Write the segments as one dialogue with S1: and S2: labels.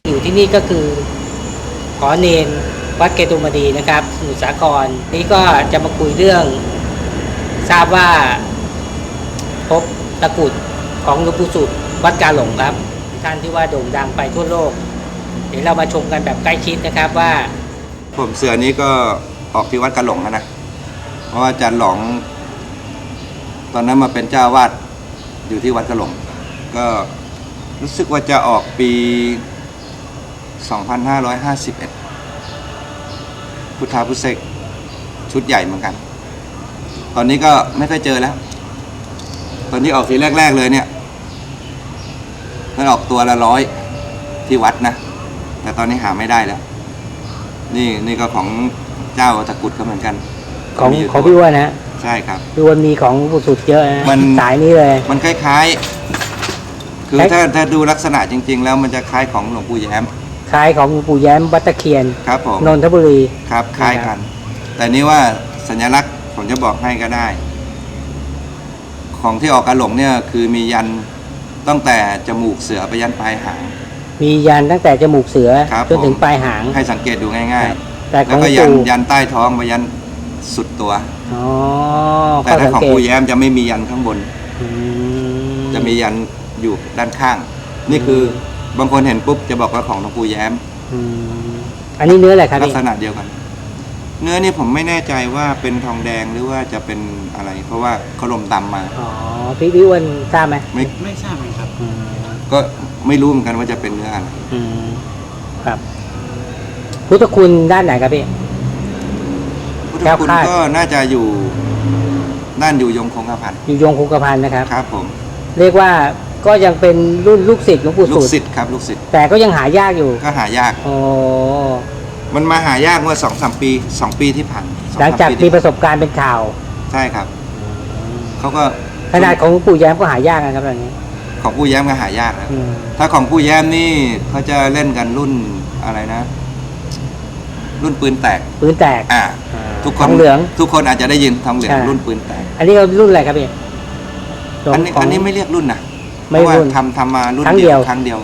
S1: อยู่ที่นี่ก็คือขอเนนวัดเกตุมดีนะครับสมุทรสาครนี้ก็จะมาคุยเรื่องทราบว่าพบตะกรุดของหลวงปู่สุดวัดกาหลงครับท่านที่ว่าโด่งดังไปทั่วโลกเดี๋ยวเรามาชมกันแบบใกล้ชิดนะครับว่า
S2: ผมเสือนี้ก็ออกที่วัดกาหลงนะเพราะว่าอาจารย์หลงตอนนั้นมาเป็นเจ้าวาดอยู่ที่วัดกาหลงก็รู้สึกว่าจะออกปี 2551 พุทธาพุทธเสกชุดใหญ่เหมือนกันตอนนี้ก็ไม่ค่อยเจอแล้วตอนนี้ออกทีแรกๆเลยเนี่ยมันออกตัวละ100ที่วัดนะแต่ตอนนี้หาไม่ได้แล้วนี่ก็ของเจ้าตะกุดก็เหมือนกัน
S1: ของพี่อ้วนนะ
S2: ใช่ครับ
S1: พี่อ้วนมีของปู่สุดเยอะนะสายนี้เลย
S2: มันคล้ายๆคือถ้าดูลักษณะจริงๆแล้วมันจะคล้ายของหลวงปู่แย้ม
S1: คล้ายของหลวงปู่แย้มวัดตะเคียน
S2: ครับผม
S1: นนทบุรี
S2: ครับคล้ายกันแต่นี่ว่าสัญลักษณ์ผมจะบอกให้ก็ได้ของที่ออกกาหลงเนี่ยคือมียันตั้งแต่จมูกเสือไปยันปลายหาง
S1: มียันตั้งแต่จมูกเสือจนถึงปลายหาง
S2: ให้สังเกตดูง่ายๆแล้วก็ยันใต้ท้องไปยันสุดตัวแต่ถ้าของปู่แย้มจะไม่มียันข้างบนจะมียันอยู่ด้านข้างนี่คือบางคนเห็นปุ๊บจะบอกว่าของหลวงปู่แย้ม
S1: อันนี้เนื้ออะไรครับ
S2: ลักษณะเดียวกันเนื้อนี่ผมไม่แน่ใจว่าเป็นทองแดงหรือว่าจะเป็นอะไรเพราะว่าเขาลมดำมา
S1: อ๋อพี่อ้วนทราบไหม
S2: ไม่ทราบเลยครับก็ไม่รู้เหมือนกันว่าจะเป็นเนื้ออะไร
S1: ครับพุทธคุณด้านไหนครับพี่
S2: พุทธคุณก็น่าจะอยู่ด้านอยู่ยงคงกระพัน
S1: อยู่ยงคงกระพันนะครับ
S2: ครับผม
S1: เรียกว่าก็ยังเป็นรุ่นลูกศิษย์หลวงปู่สุด
S2: ลูกศิษย์ครับลูกศิษย์
S1: แต่ก็ยังหายากอยู่
S2: ก็หายาก
S1: โอ้
S2: มันมาหายากเมื่อ2-3 ปีที่ผ่าน
S1: หลังจากมีประสบการณ์เป็นข่าว
S2: ใช่ครับเขาก็
S1: ขนาดของปู่แย้มก็หายากนะครับตอนนี้
S2: ของปู่แย้มก็หายากแล้วถ้าของปู่แย้มนี่เขาจะเล่นกันรุ่นอะไรนะรุ่นปืนแตกทุกคน
S1: เหลือง
S2: ทุกคนอาจจะได้ยินทองเหลืองรุ่นปืนแตก
S1: อันนี้รุ่นอะไรครับพี่
S2: อันนี้ไม่เรียกรุ่นนะ
S1: ไม่รุ่น
S2: ทำมารุ่นเดียวครั้งเดียว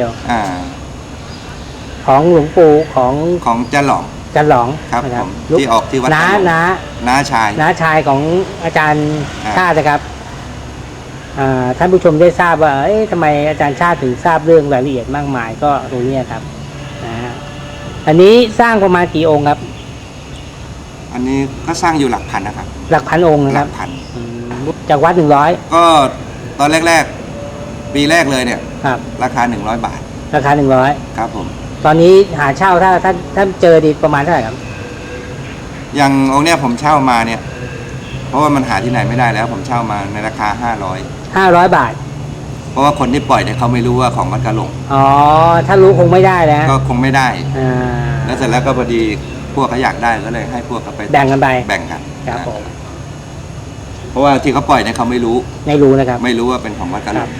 S1: ของหลวงปู่
S2: ของจันหลองครับผมที่ออกที่วัดน้าช
S1: ายของอาจารย์ชาตินะครับท่านผู้ชมได้ทราบว่าทำไมอาจารย์ชาติถึงทราบเรื่องรายละเอียดมากมายก็ตรงนี้ครับอันนี้สร้างประมาณกี่องค์ครับ
S2: อันนี้ก็สร้างอยู่หลักพันนะครับ
S1: หลักพันองค์นะครับ
S2: หลักพัน
S1: จากวัด100
S2: ก็ตอนแรกปีแรกเลยเนี่ยราคา100 บาท
S1: ราคา100
S2: ครับผม
S1: ตอนนี้หาเช่าถ้าเจอดีประมาณเท่าไหร่ครับ
S2: อย่างองค์เนี้ยผมเช่ามาเนี่ยเพราะว่ามันหาที่ไหนไม่ได้แล้วผมเช่ามาในราคา
S1: 500 บาท
S2: เพราะว่าคนที่ปล่อยเนี่ยเขาไม่รู้ว่าของวัดกาหลง
S1: อ๋อถ้ารู้คงไม่ได้แล้ว
S2: ก็คงไม่ได้แล้วเสร็จแล้วก็พอดีพวกเขาอยากได้ก็เลยให้พวกเขาไป
S1: แบ่งกัน
S2: ครับผมเพราะว่าที่เขาปล่อยเนี่ยเขาไม่รู้
S1: นะครับ
S2: ไม่รู้ว่าเป็นของวัดกาหลง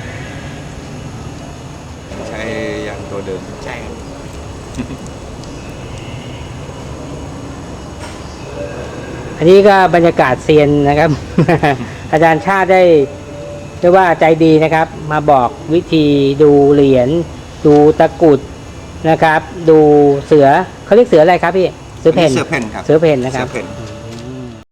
S2: ใช้ยันตัวเดิม
S1: ใช่อันนี้ก็บรรยากาศเซียนนะครับ อาจารย์ชาติได้เรียกว่าใจดีนะครับมาบอกวิธีดูเหรียญดูตะกรุดนะครับดูเสือเขาเรียกเสืออะไรครับพี่
S2: เสือเพ่นครับ
S1: เสือเพ่นนะครับ